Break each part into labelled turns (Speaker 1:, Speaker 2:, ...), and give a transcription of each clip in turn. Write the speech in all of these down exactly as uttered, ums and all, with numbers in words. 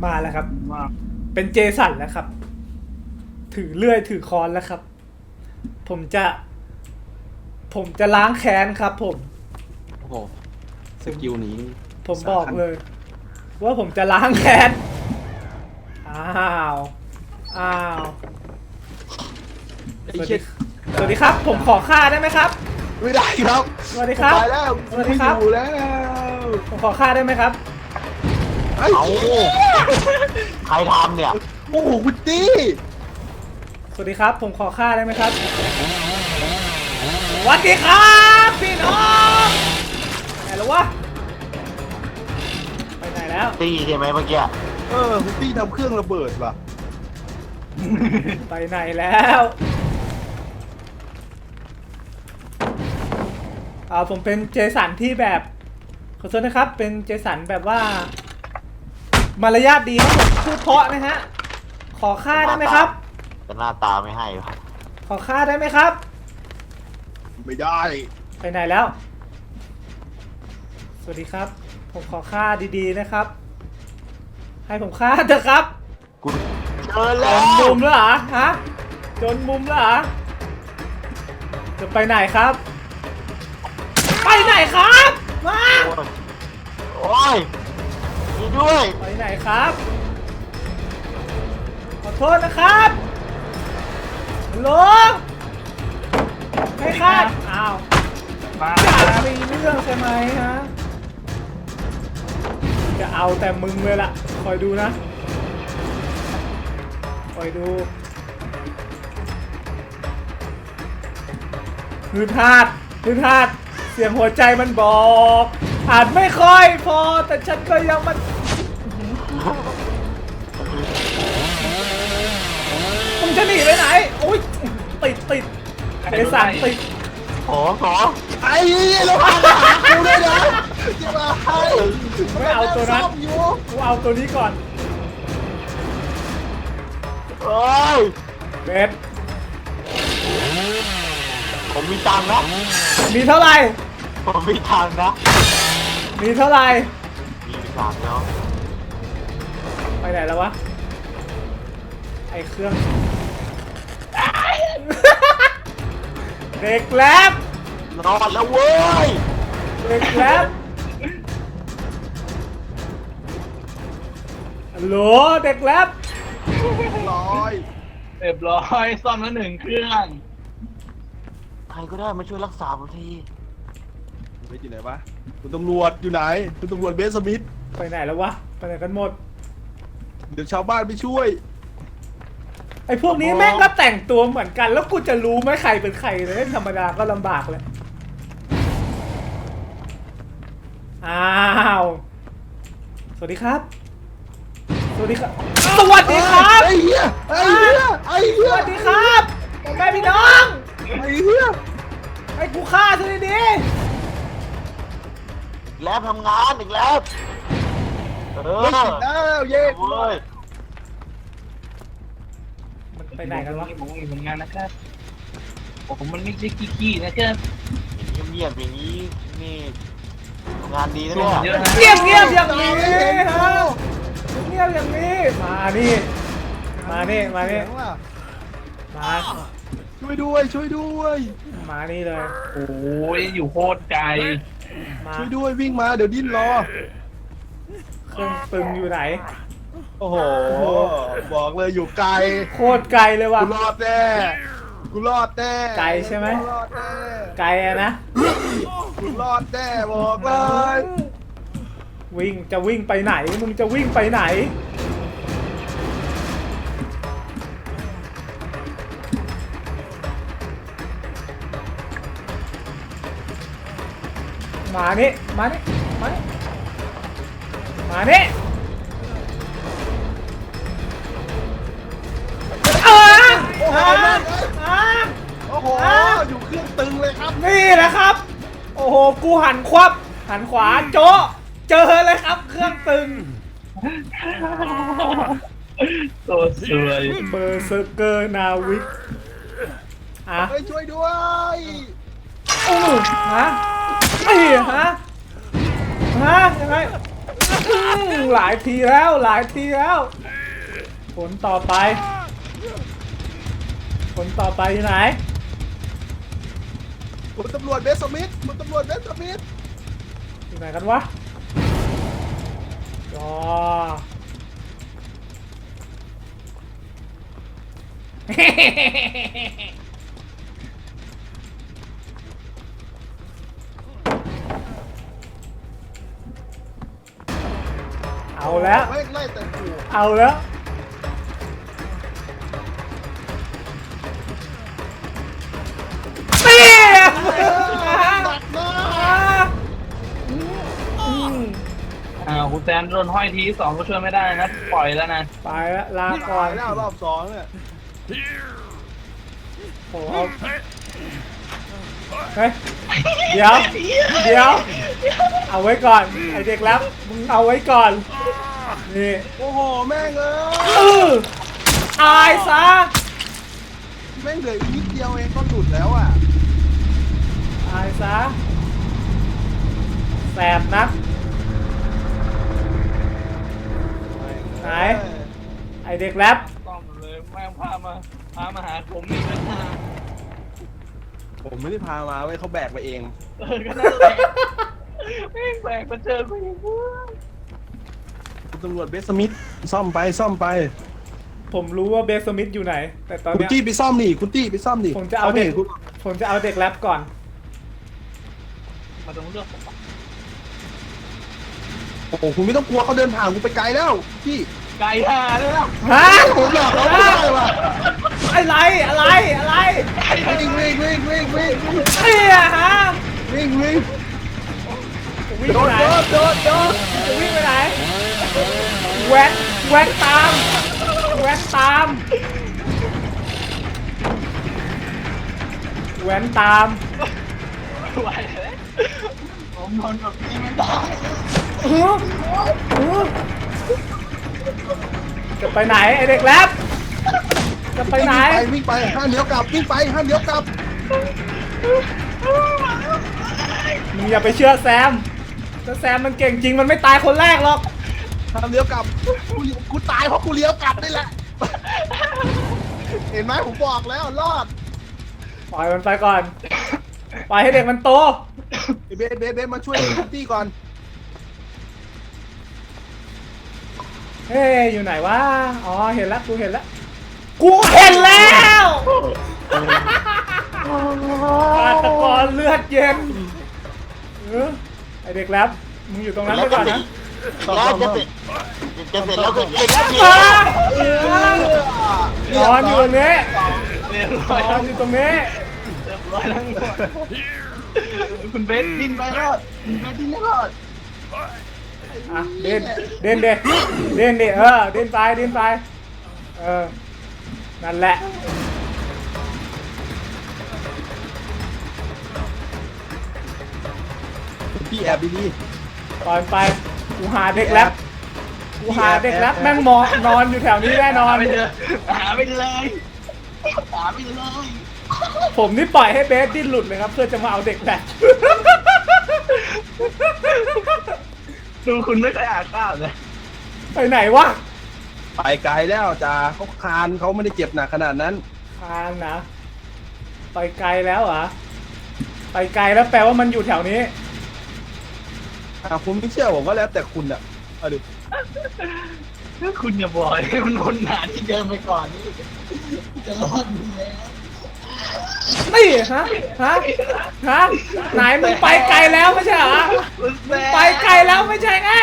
Speaker 1: มาแล้วครับ
Speaker 2: มา
Speaker 1: เป็นเจสันแล้วครับ ถือเลื่อยถือค้อนแล้วครับ ผมจะ ผมจะล้างแค้นครับ ผม
Speaker 3: โอ้โหสกิลนี้
Speaker 1: ผมบอกเลย ว่าผมจะล้างแค้นอ้าวอ้าว
Speaker 3: ไอ้
Speaker 1: สวัส
Speaker 3: เช็
Speaker 1: ดี
Speaker 3: ด
Speaker 1: สวัสดีครับ ผมขอฆ่าได้ไหมครับ
Speaker 3: ไม่ได้ครับ
Speaker 1: สวัสดีครับ
Speaker 3: ไปแล้ว
Speaker 1: สวัสดีครับ
Speaker 3: ไม่อยู่แล้ว
Speaker 1: ผมขอฆ่าได้ไหมครับ
Speaker 3: ไอ้
Speaker 4: เอาใครทำเนี่ย
Speaker 3: โอ้โหคุณตี้
Speaker 1: สวัสดีครับ ผมขอฆ่าได้ไหมครับ สวัสดีครับพี่น้องไหนแล้ววะ ไปไหนแล้ว
Speaker 4: ตีใช่ไหมเมื่อกี้
Speaker 3: เออคุณตี้ทำเครื่องระเบิดว่ะ
Speaker 1: ไปไหนแล้วอ่าผมเป็นเจสันที่แบบขอโทษนะครับ เป็นเจสันแบบว่ามารยาทดีครับผมพูดเพราะนะฮะ ขอค่าได้ไหมครับ
Speaker 4: แต่หน้าตาไม่ให้วะ
Speaker 1: ขอค่าได้ไหมครับ
Speaker 3: ไม่ได้
Speaker 1: ไปไหนแล้ว สวัสดีครับ ผมขอค่าดีๆนะครับ ให้ผมค่าเถอะครับ
Speaker 4: กูเจอ
Speaker 1: จ
Speaker 4: แล้
Speaker 1: น
Speaker 4: ว
Speaker 1: มุมแล้วเหรอฮะจนมุมแล้วเหรอจะไปไหนครับ ไปไหนครับมา
Speaker 4: โอ้ยมีด้วย
Speaker 1: ไปไหนครับ ขอโทษนะครับฮัลโหลไม่คาดอ้าว
Speaker 2: มา
Speaker 1: อย่ามีเรื่องใช่ไหมฮะจะเอาแต่มึงเลยล่ะคอยดูนะคอยดูฮืดฮาดฮืดฮาดเสียงหัวใจมันบอกอาจไม่ค่อยพอแต่ฉันก็ยังมันมึงจะหนีไปไหนโอ๊ยติดติดไอสันติด
Speaker 4: ขอขอ
Speaker 3: ไอ้เราพามาหากูด้วยนะจะมาให้
Speaker 1: ไม่เอาตัวนั้น
Speaker 3: ซ่อมอยู่
Speaker 1: กูเอาตัวนี้ก่อน
Speaker 4: เอ้ย
Speaker 1: เบส
Speaker 4: ผมมีตังค์นะ
Speaker 1: มีเท่าไหร่
Speaker 4: ผมมีตังค์นะ
Speaker 1: มีเท่าไหร่
Speaker 4: มีตังค์แล้ว
Speaker 1: ไปไหนแล้ววะ ไอเครื่อง เด็กแลบ
Speaker 4: รอดแล้วเว้ย
Speaker 1: เด็กแลบฮัลโหลเด็กแลบ
Speaker 3: ร้อย
Speaker 2: เรียบร้อยซ่อมแล้วหนึ่งเครื่อง
Speaker 4: ใครก็ได้มาช่วยรักษาผมที
Speaker 3: เบสอยู่ไหนวะคุณตำรวจอยู่ไหนคุณตำรวจเบสสมิธ ไป
Speaker 1: ไปไหนแล้ววะ ไปไหนกันหมด
Speaker 3: เดี๋ยวชาวบ้านไปช่วย
Speaker 1: ไอพวกนี้แม่งก็แต่งตัวเหมือนกัน แล้วกูจะรู้ไหมใครเป็นใครเลยธรรมดาก็ลำบากเลย อ้าว สวัสดีครับ สวัสดีครับ สวัสดีครับ
Speaker 3: ไอ้เหี้ยไอ้เหี้ยไอ้
Speaker 1: ส
Speaker 3: เหี้ย
Speaker 1: วัสดีครับพ่อแม่พี่น้อง
Speaker 3: ไอ้เหี้ย
Speaker 1: ไอ้กูฆ่าซะดี
Speaker 4: แล้วทำงานอีกแล้วเออ
Speaker 3: ไม่ติดแล้วเย้
Speaker 4: เว้ย
Speaker 1: ๆมันไปไหนกันวะ
Speaker 2: ผมมีผลงานนะครับผมมันไม่ใช่ขี้ๆนะครับ
Speaker 4: เงียบๆอย่างนี้นี่ทำงานดีนะ
Speaker 2: ช่ว
Speaker 4: เนี่ย
Speaker 2: งเยอะนะ
Speaker 1: เงียบเงียบๆอย่างนี้ฮะเงียบอย่างนี้ มานี่ มานี่ มานี่ มา
Speaker 3: ช่วยด้วยช่วยด้วย
Speaker 1: มานี่เลย
Speaker 2: โอ้ยอยู่โคตรไกล
Speaker 1: มา
Speaker 3: ช่วยด้วยวิ่งมาเดี๋ยวดิ้นรอ
Speaker 1: เครื่องตึงอยู่ไหน
Speaker 3: โอ้โหบอกเลยอยู่ไกล
Speaker 1: โคตรไกลเลยว่ะ
Speaker 3: กูรอดแน่กูรอดแน่
Speaker 1: ไกลใช่ไหม
Speaker 3: กูรอดแน่
Speaker 1: ไกลอะนะ
Speaker 3: กูรอดแน่บอกเลย
Speaker 1: วิ่งจะวิ่งไปไหน มึงจะวิ่งไปไหน มานี่ มานี่ มานี่ มานี่เออ
Speaker 3: โอ้โห
Speaker 1: อ่ะอ่ะ
Speaker 3: โอ้โหอยู่เครื่องตึงเลยครับ
Speaker 1: นี่นะครับ โอ้โห กูหันควับ หันขวาโจ๊ะเจอเลยครับ เครื่องตึง
Speaker 2: ตัวสวย
Speaker 1: เบอร์เซอร์เกอร์นาวิกอ่ะ
Speaker 3: ไปช่วยด้วย
Speaker 1: อู้ฮะไอ้ฮะ ฮะ ยังไงมหลายทีแล้วหลายทีแล้วผลต่อไปผลต่อไปอยู่ไหน
Speaker 3: คุณตำรวจเบสสมิธคุณตำรวจเบสสมิธ
Speaker 1: อยู่ไหนกันวะจอ เอาแล้ว
Speaker 3: ไม่ไล่แต่กู
Speaker 1: เอาแล้วเตี้ย
Speaker 3: หนักมาก
Speaker 1: อืม
Speaker 2: อ่าคุณแซมโดนห้อยทีสองก็ช่วยไม่ได้นะปล่อยแล้วนะ
Speaker 1: ไปแล้วลา
Speaker 3: นี่
Speaker 1: ก่อ
Speaker 3: ตาน ยแล้วรอบสองเนี่ย
Speaker 1: โอ้เอาเฮ้ยเดี๋ยว เดี๋ยว เอาไว้ก่อน ไอเด็กรับมึงเอาไว้ก่อน นี่
Speaker 3: โอ้โหแม่งเอ้
Speaker 1: อือตายซะ
Speaker 3: แม่งเหลืออีกนิดเดียวเองก็หลุดแล้วอ่ะ
Speaker 1: ตายซะแสบนัก ไหน ไอเด็กแรป
Speaker 2: ต้องเลยแม่งพามาพามาหาผมนี่ก็น่า
Speaker 3: ผมไม่ได้พามาเว้ยเขาแบกไปเอง
Speaker 2: เออก็นั่นแหละแม่งแบกมาเจอกูอีกเว้ย
Speaker 3: คุณตำรวจเบสสมิธซ่อมไปซ่อมไป
Speaker 1: ผมรู้ว่าเบสสมิธอยู่ไหน แต่ตอน
Speaker 3: คุณ
Speaker 1: เนี้ย
Speaker 3: ตี้ไปซ่อมดิคุณตี้ไปซ่อมดิ
Speaker 1: ผมจะเอาเด็ก
Speaker 3: ห็นคุณ
Speaker 1: ผมจะเอาเด็กแรปก่อน
Speaker 2: มาตรงเรื่องผมปะ
Speaker 3: โอ้โหคุณไม่ต้องกลัวเขาเดินผ่านคุณไปไกลแล้วพี่
Speaker 2: ไก่ห่าเลยนะ
Speaker 1: ฮะ
Speaker 3: ผมหลอกเขาไม่ได้ว่ะ
Speaker 1: อะไร อะไร อะไร
Speaker 3: วิ่งวิ่งวิ่งวิ่งวิ่ง
Speaker 1: เฮียฮะ
Speaker 3: วิ่งวิ่ง
Speaker 1: จะวิ่ง
Speaker 3: โด
Speaker 1: ไป
Speaker 3: ด
Speaker 1: ไหน
Speaker 3: โดดโดดโดด
Speaker 1: จะวิ่งไปไหนแว้นแว้นตามแว้นตามแว้นตาม
Speaker 2: ไหวเลยผมทนแบบนี้ไม่ได้
Speaker 1: อื้ออื้อจะไปไหนไอเด็กแรปจะไปไหน
Speaker 3: วิ่งไปวิ่งไปห้ามเลี้ยวกลับวิ่งไปห้ามเลี้ยวกลับ
Speaker 1: มึงอย่าไปเชื่อแซมถ้าแซมมันเก่งจริงมันไม่ตายคนแรกหรอก
Speaker 3: ห้ามเลี้ยวกลับกูกูตายเพราะกูเลี้ยวกลับนี่แหละ เห็นไหมผมบอกแล้วรอด
Speaker 1: ปล่อยมันไปก่อนปล่อยให้เด็กมันโต
Speaker 3: ไอ้เบสเบสเบสมาช่วยคุณตี้ก่อน
Speaker 1: เฮ้ยอยู่ไหนวะอ๋อเห็นแล้วกูเห็นแล้วกูเห็นแล้วฆาตกรเลือดเย็นเออไอเด็กแรปมึงอยู่ตรงนั้นไปก่อนนะ
Speaker 4: แล้วจะเสร็จจะเสร็จแล้วก็เด็กแล้วพี่
Speaker 1: นอนอยู่ตรงนี้
Speaker 2: เรียบ
Speaker 1: น
Speaker 2: ร้อย
Speaker 1: อนอยู่ตรงนี้
Speaker 2: เรียบร้อยทั้งหมดคุณเบสดิ้นไปรอดคุณเบสดิ้นไม่รอด
Speaker 1: อ่ะเดินเดินเดินเดินดิเออเดินไปเดินไปเออนั่นแหละ
Speaker 3: พี่แอบดี
Speaker 1: ปล่อยมันไปกูหาเด็กแรปกูหาเด็กแรปแม่งมองนอนอยู่แถวนี้แน่นอน
Speaker 2: หาไปเลยหาไปเลยหาไปเลย
Speaker 1: ผมนี่ปล่อยให้เบสดิ้นหลุดเลยครับ เพื่อจะมาเอาเด็กแรป
Speaker 2: ดูคุณไม่เคยอ่านข้าวเลย
Speaker 1: ไปไหนวะ
Speaker 3: ๆไปไกลแล้วจ้าเขาคานเขาไม่ได้เจ็บหนักขนาดนั้น
Speaker 1: ทางนะไปไกลแล้วเหรอไปไกลแล้วแปลว่ามันอยู่แถวนี้
Speaker 3: อ่ะคุณไม่เชื่อผมก็แล้วแต่คุณอ่ะเอาดิ
Speaker 2: ถ้าคุณอย่าบอกให้มันวนหาที่เดิมไปก่อนนี่จะรอดอยู่แล้ว
Speaker 1: นี่ฮะฮะฮะไหนมึงไปไกลแล้วไม่ใช่เหรอ
Speaker 2: คุณแซ
Speaker 1: มึง
Speaker 2: ม
Speaker 1: ไปไกลแล้วไม่ใช่ไง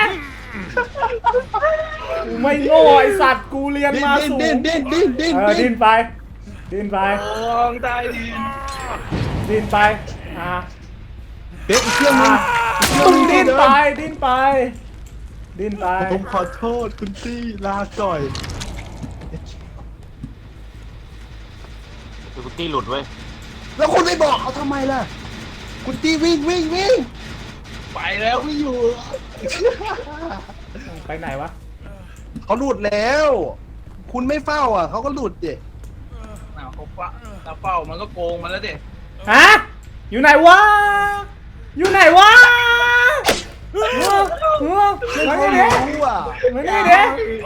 Speaker 1: กูไม่โง่ไอสัตว์กูเรียน
Speaker 3: ดิ้น
Speaker 1: มา
Speaker 3: ดิ้น
Speaker 1: สู
Speaker 3: ดิ้
Speaker 1: ง
Speaker 3: นดิ้นดิ้นดิ้น
Speaker 1: เออดิ้นไปดิ้นไป
Speaker 2: ลองตายดิน
Speaker 1: ดิ้นไปอ่ะ
Speaker 3: เบสอีกเครื่องนึ
Speaker 1: อ่ะ
Speaker 3: ง
Speaker 1: มึงดิ้นไปดิ้นไปดิ้นไป
Speaker 3: ผมขอโทษคุณตี้ลาก่อย
Speaker 4: คือคุณตี้หลุดเว้ย
Speaker 3: แล้วคุณไม่บอกเขาทำไมล่ะ คุณตี้วิ่งวิ่งวิ่ง
Speaker 2: ไปแล้วไม่อยู่
Speaker 1: ไปไหนวะ
Speaker 3: เขาหลุดแล้ว คุณไม่เฝ้าอ่ะเขาก็หลุดเด็
Speaker 2: อ้าวเขาเฝ้าถ้าเฝ้ามันก็โกงมันแล้วดิ
Speaker 1: ฮะอยู่ไหนวะอยู่ไหนวะ
Speaker 3: ไม่
Speaker 1: มา
Speaker 3: เขา
Speaker 1: นี่ดิ
Speaker 3: รู้อ่ะ
Speaker 1: มานี่ดิ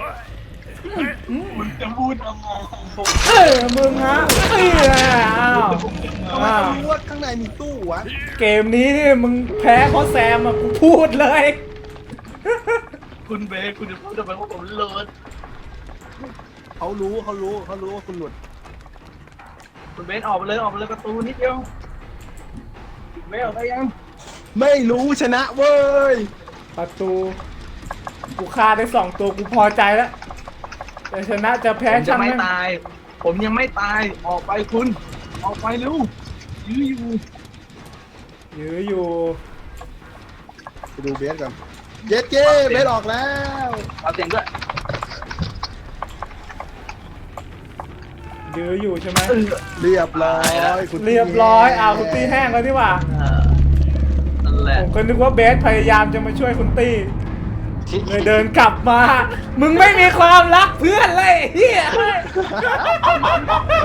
Speaker 2: คุณจะพูดทำไมผม
Speaker 1: เออมึงฮะเอ้ยอ้าว
Speaker 3: ทำไม
Speaker 1: อ้าว
Speaker 3: เขารู้ว่าข้างในมีตู้วะ
Speaker 1: เกมนี้นี่มึงแพ้เพราะแซมอ่ะกูพูดเลย
Speaker 2: คุณเบสคุณจะพูดทำไมว่าผมเลิศ
Speaker 3: เขารู้เขารู้เขารู้ว่าคุณหลุด
Speaker 2: คุณเบสออกไปเลยออกไปเลยประตูนิดเดียวคุณเบสออกไปยัง
Speaker 3: ไม่รู้ชนะเว้ย
Speaker 1: ประตูกูฆ่าได้สองตัวกูพอใจแล้วแต่ชนะจะแพ้
Speaker 2: ผมจะ
Speaker 1: ช่าง
Speaker 2: ไม่
Speaker 1: แม่ง
Speaker 2: ตาย ผมยังไม่ตายออกไปคุณ ออกไปเร็วยื้ออยู่
Speaker 1: ยื้ออยู่
Speaker 3: ไปดูเบสกันเย็ดเก้เบสออกแล้ว
Speaker 2: เอาเสียงด้วย
Speaker 1: ยื้ออยู่ใช่ไหม
Speaker 2: เออ
Speaker 3: เรียบร้อยคุณ
Speaker 1: เรียบร้อยอ้าวคุณตี้แห้งแล้วนี่หว่า
Speaker 2: นั่นแหละ
Speaker 1: ผมก็นึกว่าเบสพยายามจะมาช่วยคุณตี้เลยเดินกลับมา มึงไม่มีความรักเพื่อนเลยเฮีย